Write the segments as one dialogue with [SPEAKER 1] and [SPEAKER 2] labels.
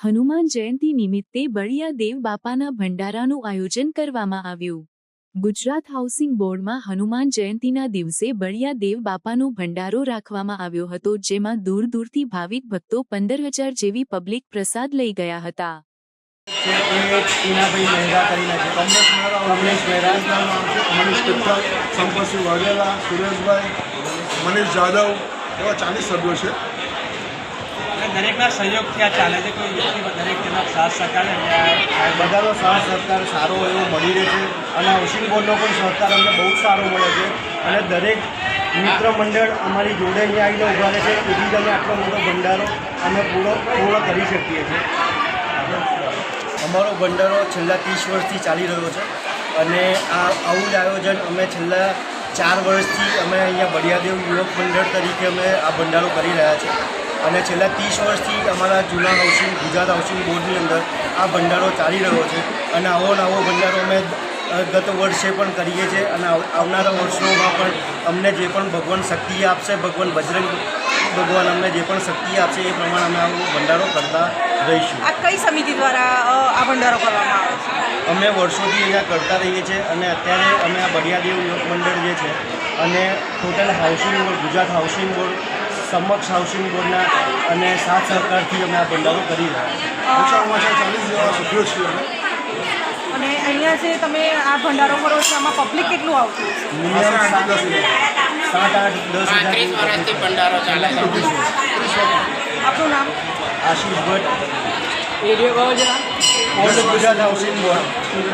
[SPEAKER 1] હનુમાન જયંતિ નિમિત્તે બળિયા દેવ બાપાના ભંડારાનું આયોજન કરવામાં આવ્યું। ગુજરાત હાઉસિંગ બોર્ડમાં હનુમાન જયંતિના દિવસે બળિયા દેવ બાપાનો ભંડારો રાખવામાં આવ્યો હતો, જેમાં દૂર દૂરથી ભાવિક ભક્તો 15,000 જેવી પબ્લિક પ્રસાદ લઈ ગયા હતા।
[SPEAKER 2] મનીષ જાદવ એવા 40 સભ્યો છે।
[SPEAKER 3] દરેકના સહયોગથી આ ચાલે છે। કોઈ વ્યક્તિ દરેકના સાથ સહકાર
[SPEAKER 4] બધાનો સાથ સહકાર સારો એવો મળી રહે છે અને હાઉસિંગ બોર્ડનો પણ સહકાર અમને બહુ સારો મળે છે અને દરેક મિત્ર મંડળ અમારી જોડે અહીંયા આવીને ઊભા રહે છે, તેથી જ અમે આટલો મોટો ભંડારો અમે પૂર્ણ કરી શકીએ છીએ। અમારો ભંડારો છેલ્લા 30 વર્ષથી ચાલી રહ્યો છે અને આવું જ આયોજન અમે છેલ્લા 4 વર્ષથી અમે અહીંયા બળિયાદેવ યુવક મંડળ તરીકે અમે આ ભંડારો કરી રહ્યા છીએ અને છેલ્લા 30 વર્ષથી અમારા જૂના ગુજરાત હાઉસિંગ બોર્ડની અંદર આ ભંડારો ચાલી રહ્યો છે અને આવો નવો ભંડારો અમે ગત વર્ષે પણ કરીએ છીએ અને આવનારા વર્ષોમાં પણ અમને જે પણ ભગવાન શક્તિ આપશે, ભગવાન બજરંગ ભગવાન અમને જે પણ શક્તિ આપશે એ પ્રમાણે અમે આવો ભંડારો કરતા રહીશું।
[SPEAKER 5] આ કઈ સમિતિ દ્વારા આ ભંડારો કરવામાં આવે છે?
[SPEAKER 4] અમે વર્ષોથી અહીંયા કરતા રહીએ છીએ અને અત્યારે અમે આ બળિયાદેવ યુવક મંડળ જે છે અને total housing board, Gujarat housing board, સમક્ષ હાઉસિંગ બોર્ડના અને સાથ સહકારથી અમે આ ભંડારો કરી રહ્યા છીએ।
[SPEAKER 2] ઓછામાં ઓછા 40 જેવા સભ્યો છીએ અમે।
[SPEAKER 5] અને અહીંયા જે તમે આ ભંડારો કરો છો આમાં પબ્લિક કેટલું આવતું હશે?
[SPEAKER 4] મિનિમમ 7-8-10 હજાર
[SPEAKER 6] વર્ષથી ભંડારો ચાલે છે।
[SPEAKER 5] આપનું નામ?
[SPEAKER 4] આશીષ ભટ્ટ, એરિયો કહો જરા, ગુજરાત હાઉસિંગ બોર્ડ।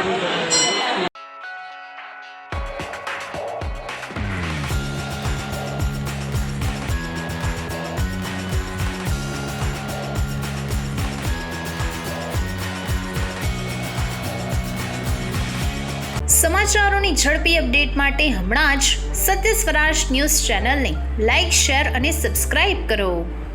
[SPEAKER 7] સમાચારોની ઝડપી અપડેટ માટે હમણાં જ સત્ય સ્વરાજ ન્યૂઝ ચેનલને લાઇક, શેર અને સબસ્ક્રાઇબ કરો।